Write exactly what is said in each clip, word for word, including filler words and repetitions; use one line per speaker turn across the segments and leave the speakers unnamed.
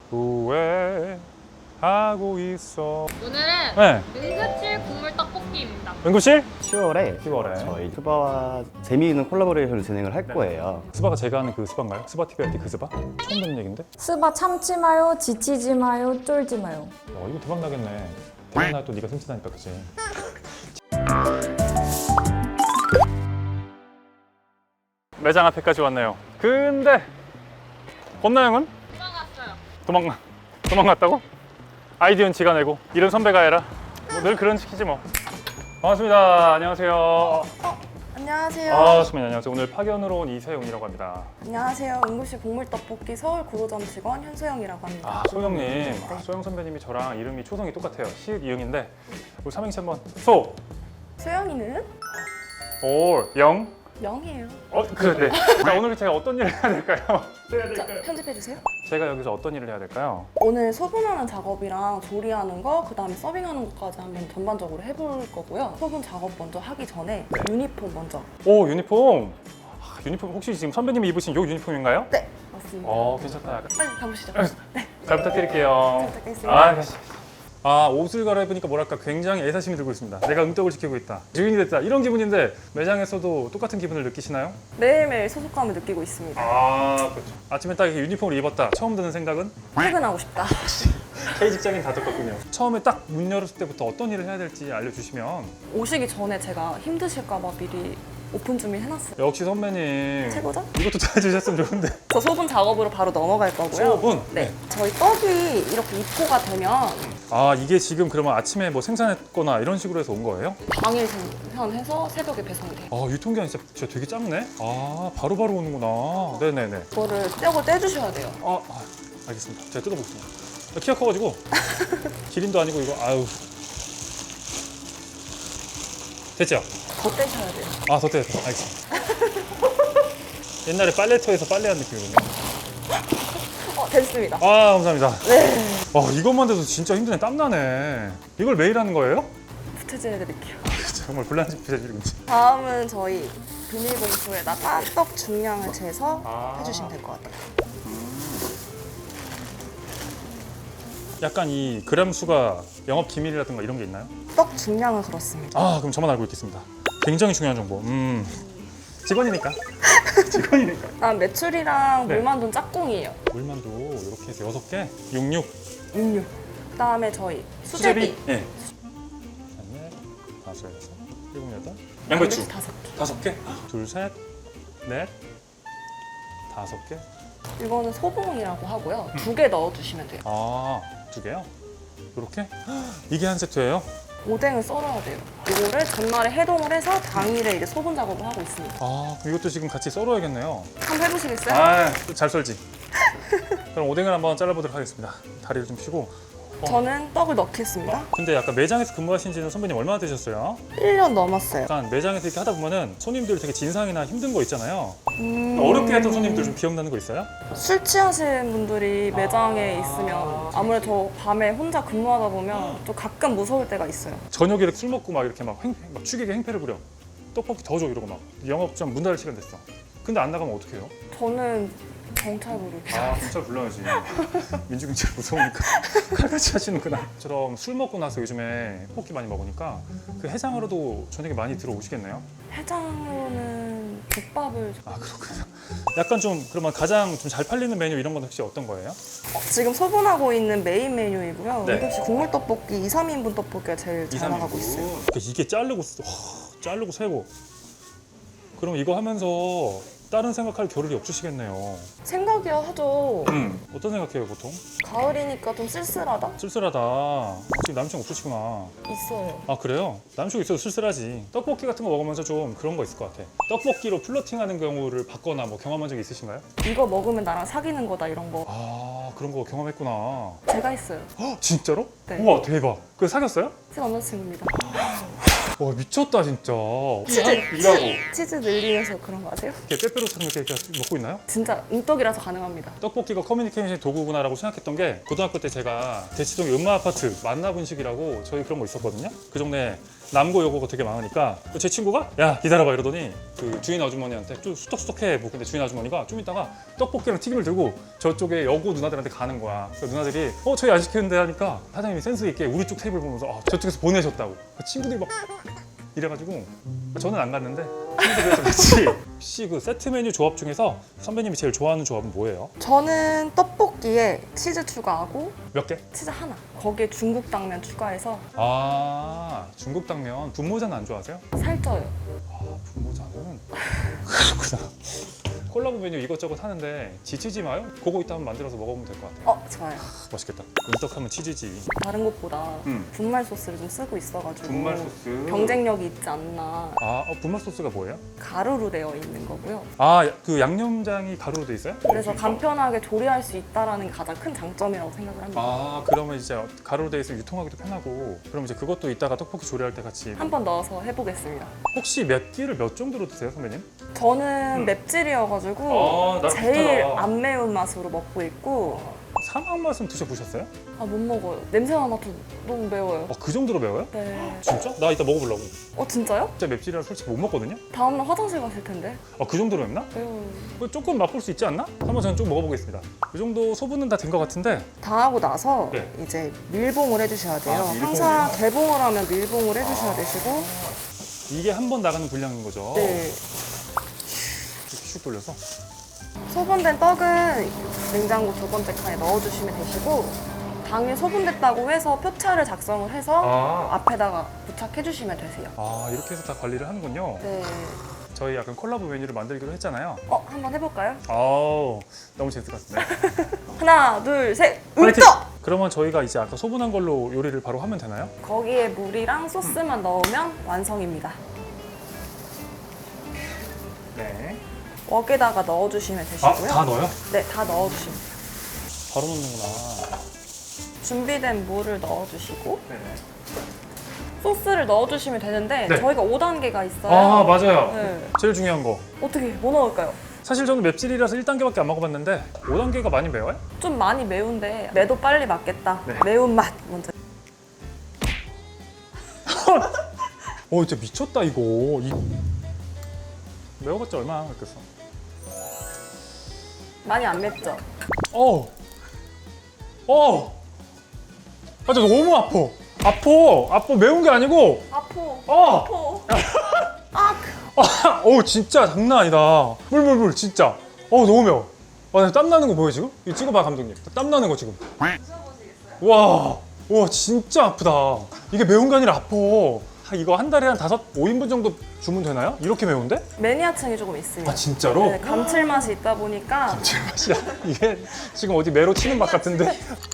후회하고 있어.
오늘은
네.
응급실 국물 떡볶이입니다.
응급실?
시월에
시월에.
저희 스바와 재미있는 콜라보레이션을 진행을 할
네.
거예요.
스바가 제가 아는 그 스바인가요? 스바티비 할 때 그 스바? 처음 듣는 얘긴데?
스바 참지 마요, 지치지 마요, 쫄지 마요.
어 이거 대박 나겠네. 대박 나또 네가 슴친하니까 그치? 매장 앞에까지 왔네요. 근데 권나영은?
도망갔어요.
도망가 도망갔다고? 아이디어는 지가 내고 이런 선배가 해라. 뭐 늘 그런 시키지 뭐. 반갑습니다. 안녕하세요.
안녕하세요.
아, 선배님 안녕하세요. 오늘 파견으로 온 이세용이라고 합니다.
안녕하세요. 응급실 국물떡볶이 서울 구로점 직원 현소영이라고 합니다.
아, 소영님. 아, 소영 선배님이 저랑 이름이 초성이 똑같아요. 시읒 이응인데 우리 삼행시 한번 소,
소영이는
올, 영.
영이에요.
어, 그래. 네. 자, 오늘 제가 어떤 일을 해야 될까요? 해야
자,
될까요?
편집해주세요.
제가 여기서 어떤 일을 해야 될까요?
오늘 소분하는 작업이랑 조리하는 거, 그 다음에 서빙하는 것까지 한번 전반적으로 해볼 거고요. 소분 작업 먼저 하기 전에 유니폼 먼저.
오, 유니폼. 아, 유니폼 혹시 지금 선배님이 입으신 요 유니폼인가요?
네, 맞습니다.
어, 괜찮다.
빨리 가보시죠. 네,
잘 부탁드릴게요.
잘 부탁드리겠습니다.
아, 가시. 아, 옷을 갈아입으니까 뭐랄까 굉장히 애사심이 들고 있습니다. 내가 응떡을 지키고 있다. 주인이 됐다. 이런 기분인데 매장에서도 똑같은 기분을 느끼시나요?
매일매일 소속감을 느끼고 있습니다.
아, 그렇죠. 아침에 딱 이렇게 유니폼을 입었다. 처음 드는 생각은?
퇴근하고 싶다.
K 직장인 다 똑같군요. 처음에 딱 문 열었을 때부터 어떤 일을 해야 될지 알려주시면.
오시기 전에 제가 힘드실까 봐 미리 오픈 준비 해놨어요.
역시 선배님.
최고죠?
이것도 다 해주셨으면 좋은데.
저 소분 작업으로 바로 넘어갈 거고요.
소분?
네. 저희 떡이 이렇게 입고가 되면
아, 이게 지금 그러면 아침에 뭐 생산했거나 이런 식으로 해서 온 거예요?
당일 생산해서 새벽에 배송이 돼요.
아, 유통기한이 진짜, 진짜 되게 짧네? 아, 바로바로 오는구나. 네네네.
그거를 떼고 떼주셔야 돼요.
아, 아, 알겠습니다. 제가 뜯어보겠습니다. 아, 키가 커가지고 기린도 아니고 이거 아유. 됐죠?
더 떼셔야 돼요.
아, 더 떼야 돼. 알겠습니다. 옛날에 빨래터에서 빨래한 느낌이군요.
어, 됐습니다.
아, 감사합니다.
네.
와, 이것만 돼도 진짜 힘드네. 땀나네. 이걸 매일 하는 거예요?
부채질 해드릴게요.
정말 불란지 부재질인지.
다음은 저희 비닐봉투에다가 떡 중량을 재서
아.
해주시면 될 것 같아요.
약간 이 그램 수가 영업 기밀이라든가 이런 게 있나요?
떡 중량은 그렇습니다.
아, 그럼 저만 알고 있겠습니다. 굉장히 중요한 정보. 음. 직원이니까. 직원이니까.
다음 메추리랑
네.
물만두는 짝꿍이에요.
물만두 이렇게 해서 여섯 개, 육육.
육류. 그다음에 저희 수제비.
네. 넷, 다섯, 여섯, 일곱, 여덟. 양배추
다섯 개.
다섯 개. 둘, 셋, 넷, 다섯 개.
이거는 소봉이라고 하고요. 두 개 넣어주시면 돼요.
아, 두 개요? 이렇게? 이게 한 세트예요?
오뎅을 썰어야 돼요. 이거를 전날에 해동을 해서 당일에 이제 소분 작업을 하고 있습니다.
아, 그럼 이것도 지금 같이 썰어야겠네요.
한번 해보시겠어요?
아, 잘 썰지. 그럼 오뎅을 한번 잘라보도록 하겠습니다. 다리를 좀 펴고.
저는 떡을 넣겠습니다.
근데 약간 매장에서 근무하신 지는 선배님 얼마나 되셨어요?
일 년 넘었어요.
약간 매장에서 이렇게 하다 보면은 손님들 되게 진상이나 힘든 거 있잖아요.
음...
어렵게 했던 손님들 좀 기억나는 거 있어요?
술 취하신 분들이 매장에 있으면 아무래도 저 밤에 혼자 근무하다 보면 좀 가끔 무서울 때가 있어요.
저녁에 이렇게 술 먹고 막 이렇게 막, 횡, 막 취객의 행패를 부려. 떡볶이 더 줘 이러고 막 영업점 문 닫을 시간 됐어. 근데 안 나가면 어떡해요?
저는 경찰 부르고
아, 경찰 불러야지. 민주경찰 무서우니까 칼같이 하시는구나. 저처럼 술 먹고 나서 요즘에 떡볶이 많이 먹으니까 그 해장으로도 저녁에 많이 들어오시겠네요?
해장으로는 국밥을
아, 그렇군요. 약간 좀 그러면 가장 좀 잘 팔리는 메뉴 이런 건 혹시 어떤 거예요?
어, 지금 소분하고 있는 메인 메뉴이고요.
네.
응급실 국물 떡볶이 이, 삼 인분 떡볶이가 제일 잘 나가고 있어요.
그러니까 이게 자르고 쓰- 와, 자르고 세고. 그럼 이거 하면서 다른 생각할 겨를이 없으시겠네요.
생각이야 하죠.
음, 어떤 생각해요 보통?
가을이니까 좀 쓸쓸하다?
쓸쓸하다. 지금 남친 없으시구나.
있어요.
아, 그래요? 남친 있어도 쓸쓸하지. 떡볶이 같은 거 먹으면서 좀 그런 거 있을 것 같아. 떡볶이로 플러팅하는 경우를 봤거나 뭐 경험한 적이 있으신가요?
이거 먹으면 나랑 사귀는 거다 이런 거
아, 그런 거 경험했구나.
제가 했어요.
헉, 진짜로?
네.
우와, 대박. 그 사귀었어요?
제 남자친구입니다.
와, 미쳤다 진짜.
치즈,
일하고
치즈 늘리면서 그런 거 아세요?
이렇게 빼빼로처럼 이렇게, 이렇게 먹고 있나요?
진짜 응떡이라서 가능합니다.
떡볶이가 커뮤니케이션의 도구구나라고 생각했던 게 고등학교 때 제가 대치동의 음마 아파트 만나분식이라고 저희 그런 거 있었거든요. 그 동네 남고 여고가 되게 많으니까 제 친구가 야 기다려봐 이러더니 그 주인 아주머니한테 좀 수덕수덕해 뭐 근데 주인 아주머니가 좀 있다가 떡볶이랑 튀김을 들고 저쪽에 여고 누나들한테 가는 거야. 그래서 누나들이 어 저희 안 시켰는데 하니까 사장님이 센스 있게 우리 쪽 테이블 보면서 아, 저쪽에서 보내셨다고. 그 친구들이 막 이래가지고 저는 안 갔는데 친구들이랑 같이. 혹시 그 세트 메뉴 조합 중에서 선배님이 제일 좋아하는 조합은 뭐예요?
저는 떡볶이에 치즈 추가하고
몇 개?
치즈 하나. 거기에 중국 당면 추가해서
아 중국 당면 분모자는 안 좋아하세요?
살쪄요.
아 분모자는 그렇구나. 콜라보 메뉴 이것저것 하는데 지치지 마요? 그거 이따 한번 만들어서 먹어보면 될 것 같아요.
어, 좋아요.
맛있겠다. 은떡하면 치즈지.
다른 곳보다
음.
분말 소스를 좀 쓰고 있어가지고
분말 소스.
경쟁력이 있지 않나.
아 어, 분말 소스가 뭐예요?
가루로 되어 있는 거고요.
아 그 양념장이 가루로 돼 있어요?
그래서 간편하게 조리할 수 있다라는 게 가장 큰 장점이라고 생각을 합니다.
아 그러면 이제 가루로 돼 있으면 유통하기도 편하고 그럼 이제 그것도 이따가 떡볶이 조리할 때 같이.
한 번 넣어서 해보겠습니다.
혹시 맵기를 몇 정도로 드세요 선배님?
저는 맵찔이어가지고
아, 나랑
제일
비슷하다.
안 매운 맛으로 먹고 있고
사막 맛은 드셔보셨어요?
아 못 먹어요. 냄새만 맡아도 너무 매워요.
어, 그 정도로 매워요?
네.
진짜? 나 이따 먹어보려고.
어 진짜요?
진짜 맵찔이라 솔직히 못 먹거든요?
다음날 화장실 가실 텐데.
아, 그 정도로 맵나?
매워요.
뭐 조금 맛볼 수 있지 않나? 한번 저는 좀 먹어보겠습니다. 이 정도 소분은 다 된 것 같은데.
다 하고 나서
네.
이제 밀봉을 해주셔야 돼요.
아, 밀봉이요?
항상 개봉을 하면 밀봉을 해주셔야 되시고.
이게 한 번 나가는 분량인 거죠?
네.
이렇게 슉 돌려서.
소분된 떡은 냉장고 두 번째 칸에 넣어주시면 되시고 당일 소분됐다고 해서 표차를 작성을 해서
아,
앞에다가 부착해주시면 되세요.
아 이렇게 해서 다 관리를 하는군요.
네.
저희 약간 콜라보 메뉴를 만들기로 했잖아요.
어 한번 해볼까요?
아우 너무 재밌을 것 같은데.
하나, 둘, 셋,
화이팅!
음떡!
그러면 저희가 이제 아까 소분한 걸로 요리를 바로 하면 되나요?
거기에 물이랑 소스만 넣으면 완성입니다.
네.
웍에다가 넣어주시면
아,
되시고요.
다 넣어요?
네, 다 넣어주시면 돼요.
바로 넣는구나.
준비된 물을 넣어주시고
네.
소스를 넣어주시면 되는데
네.
저희가 오 단계가 있어요.
아, 맞아요.
네.
제일 중요한 거.
어떻게 뭐 넣을까요?
사실 저는 맵찔이라서 일 단계밖에 안 먹어봤는데 오 단계가 많이 매워요?
좀 많이 매운데 매도 빨리 맞겠다.
네.
매운맛 먼저.
어 진짜 미쳤다 이거. 이... 매워봤자 얼마나 맵겠어.
많이 안 맵죠?
어. 어. 아, 저 너무 아파. 아파. 아파. 매운 게 아니고.
아포.
어.
아포. 아,
아, 어 진짜 장난 아니다. 물, 물, 물, 진짜. 어 너무 매워. 와, 나 땀 나는 거 보여 지금? 이거 찍어봐 감독님. 땀 나는 거 지금. 와, 와 진짜 아프다. 이게 매운 게 아니라 아파. 아, 이거 한 달에 한 다섯, 오 인분 정도 주문 되나요? 이렇게 매운데?
매니아층이 조금 있습니다.
아 진짜로?
네, 감칠맛이 있다 보니까
제 맛이야. 이게 지금 어디 매로 치는 맛 같은데?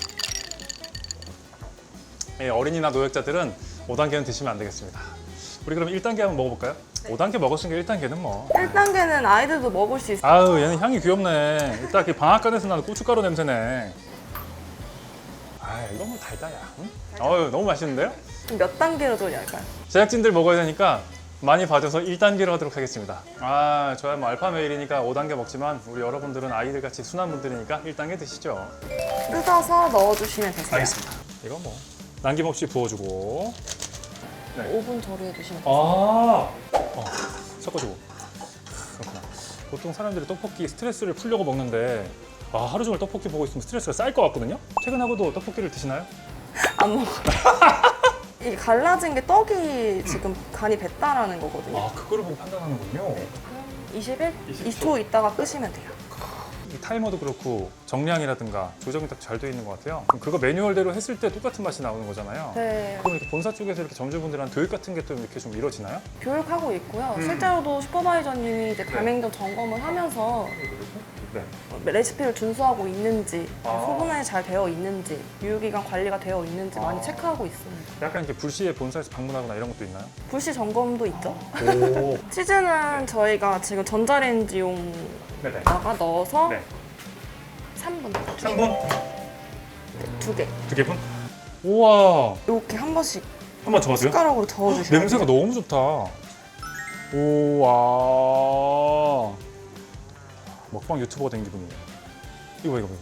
예, 어린이나 노약자들은 오 단계는 드시면 안 되겠습니다. 우리 그럼 일 단계 한번 먹어볼까요? 오 단계 먹었으니까 일 단계는 뭐.
일 단계는 아이들도 먹을 수 있어요.
아유 얘는 향이 귀엽네. 일단 그 방앗간에서 나는 고춧가루 냄새네. 아 이거 뭐 달다야. 응? 어유 너무 맛있는데요?
그럼 몇 단계로 조리할까요?
제작진들 먹어야 되니까 많이 봐줘서 일 단계로 하도록 하겠습니다. 아 저야 뭐 알파 메일이니까 오 단계 먹지만 우리 여러분들은 아이들 같이 순한 분들이니까 일 단계 드시죠.
뜯어서 넣어주시면 되세요.
알겠습니다. 이거 뭐 남김없이 부어주고.
오 분 조리해주시면
아,
돼요.
어, 섞어주고. 그렇구나. 보통 사람들이 떡볶이 스트레스를 풀려고 먹는데 아, 하루 종일 떡볶이 보고 있으면 스트레스가 쌓일 것 같거든요? 퇴근하고도 떡볶이를 드시나요?
안 먹어요. 이게 갈라진 게 떡이 지금 간이 뱄다라는 거거든요.
아, 그거를 보고 판단하는군요.
이십 일?
이십 초.
이십 초 있다가 끄시면 돼요.
이 타이머도 그렇고 정량이라든가 조정이 딱 잘 돼 있는 것 같아요. 그럼 그거 매뉴얼대로 했을 때 똑같은 맛이 나오는 거잖아요.
네,
그럼 이렇게 본사 쪽에서 이렇게 점주분들한 교육 같은 게 또 이렇게 좀 이루어지나요?
교육하고 있고요.
음.
실제로도 슈퍼바이저님이 이제 가맹점 점검을 하면서
네.
레시피를 준수하고 있는지,
아.
소분이 잘 되어 있는지, 유효기간 관리가 되어 있는지
아.
많이 체크하고 있습니다.
약간 이렇게 불시에 본사에서 방문하거나 이런 것도 있나요?
불시 점검도 있죠.
오.
치즈는 저희가 지금 전자레인지용에다가
네네.
넣어서
네.
삼 분,
삼 분?
두 개.
두 개 분? 우와.
이렇게 한 번씩
한 번 저어줘요?
숟가락으로 저어주세요.
냄새가 너무 좋다. 우와. 먹방 유튜버가 된 기분이에요. 이거 봐, 이거 봐.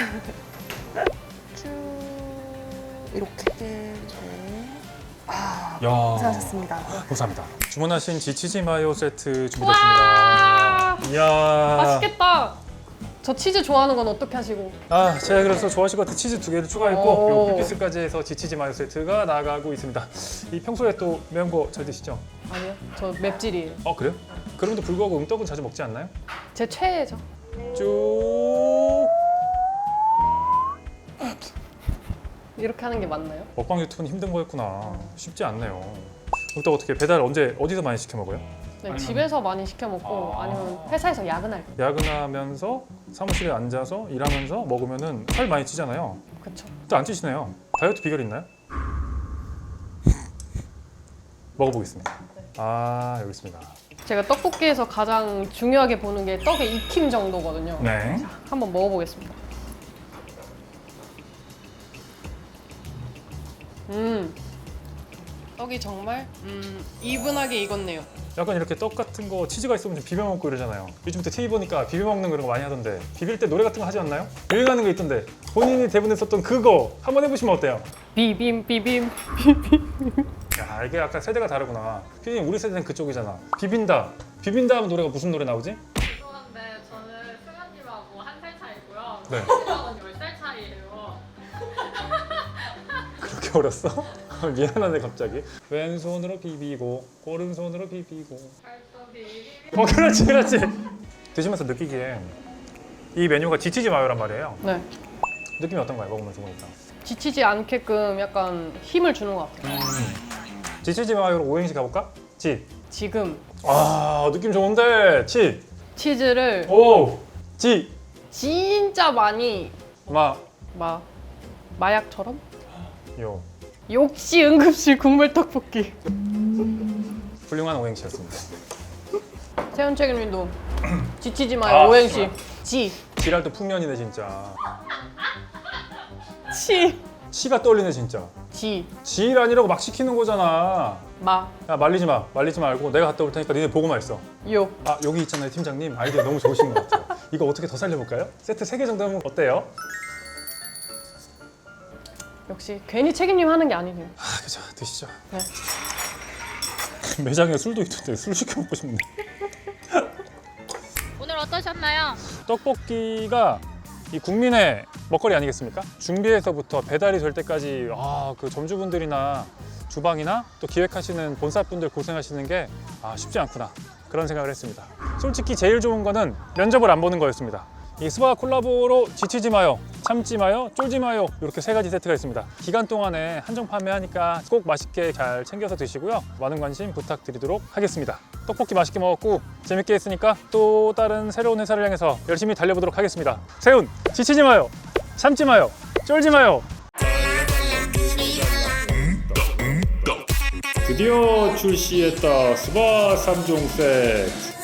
쭉 이렇게. 네. 아
야,
고생하셨습니다.
감사합니다. 주문하신 지치즈 마요 세트 준비됐습니다.
와,
이야.
맛있겠다. 저 치즈 좋아하는 건 어떻게 하시고?
아, 제가 그래서 좋아하실 것 같은 치즈 두 개를 추가했고
오.
요 피피스까지 해서 지치즈 마요 세트가 나가고 있습니다. 이 평소에 또 매운 거 잘 드시죠?
아니요, 저 맵찔이에요.
어, 그래요? 그럼에도 불구하고 음떡은 자주 먹지 않나요?
제 최애죠.
쭉
이렇게 하는 게 맞나요?
먹방 유튜브는 힘든 거였구나. 쉽지 않네요. 음떡 어떻게 배달 언제 어디서 많이 시켜 먹어요?
네, 집에서 많이 시켜 먹고
아.
아니면 회사에서 야근할 때.
야근하면서 사무실에 앉아서 일하면서 먹으면은 살 많이 찌잖아요.
그쵸.
또 안 찌시네요. 다이어트 비결 있나요? 먹어보겠습니다. 아, 여기 있습니다.
제가 떡볶이에서 가장 중요하게 보는 게 떡의 익힘 정도거든요.
네.
한번 먹어보겠습니다. 음, 떡이 정말 음, 이분하게 익었네요.
약간 이렇게 떡 같은 거 치즈가 있으면 좀 비벼 먹고 이러잖아요. 요즘부터 티비 보니까 비벼 먹는 그런 거 많이 하던데 비빌 때 노래 같은 거 하지 않나요? 유행하는 거 있던데 본인이 대본에 썼던 그거 한번 해보시면 어때요?
비빔 비빔.
야, 이게 약간 세대가 다르구나. 피디님 우리 세대는 그쪽이잖아. 비빈다. 비빈다 하면 노래가 무슨 노래 나오지?
죄송한데 저는 승현님하고 한 살 차이고요.
네.
승현님하고는 열 살 차이예요.
그렇게 어렸어? 미안하네 갑자기. 왼손으로 비비고 오른손으로 비비고.
발도 비비비.
어, 그렇지 그렇지. 드시면서 느끼기에 이 메뉴가 지치지 마요란 말이에요.
네,
느낌이 어떤가요? 먹으면서 보니까.
지치지 않게끔 약간 힘을 주는 것 같아요.
지치지 마요로 오행시 가볼까? 지.
지금
아, 느낌 좋은데. 치.
치즈를
오. 지.
진짜 많이
마.
막 마약처럼?
요.
역시 응급실 국물 떡볶이.
훌륭한 오행시였습니다.
세훈 책임님도 지치지 마요.
아.
오행시. 지.
지랄도 풍년이네 진짜.
치.
치가 떨리네 진짜.
지.
지일 아니라고 막 시키는 거잖아.
마.
야, 말리지 마. 말리지 말고 내가 갔다 올 테니까 니네 보고만 있어.
요.
아, 여기 있잖아요 팀장님. 아이디어 너무 좋으신 것 같아요. 이거 어떻게 더 살려볼까요? 세트 세 개 정도 하면 어때요?
역시 괜히 책임님 하는 게 아니네요.
아, 그죠. 드시죠.
네.
매장에 술도 있던데 술 시켜 먹고 싶네.
오늘 어떠셨나요?
떡볶이가 이 국민의 먹거리 아니겠습니까? 준비에서부터 배달이 될 때까지 아, 그 점주분들이나 주방이나 또 기획하시는 본사분들 고생하시는 게 아, 쉽지 않구나 그런 생각을 했습니다. 솔직히 제일 좋은 거는 면접을 안 보는 거였습니다. 이 스바 콜라보로 지치지 마요, 참지 마요, 쫄지 마요 이렇게 세 가지 세트가 있습니다. 기간 동안에 한정 판매하니까 꼭 맛있게 잘 챙겨서 드시고요. 많은 관심 부탁드리도록 하겠습니다. 떡볶이 맛있게 먹었고 재밌게 했으니까 또 다른 새로운 회사를 향해서 열심히 달려보도록 하겠습니다. 세훈, 지치지 마요, 참지 마요, 쫄지 마요. 드디어 출시했다 스바 삼 종 세트.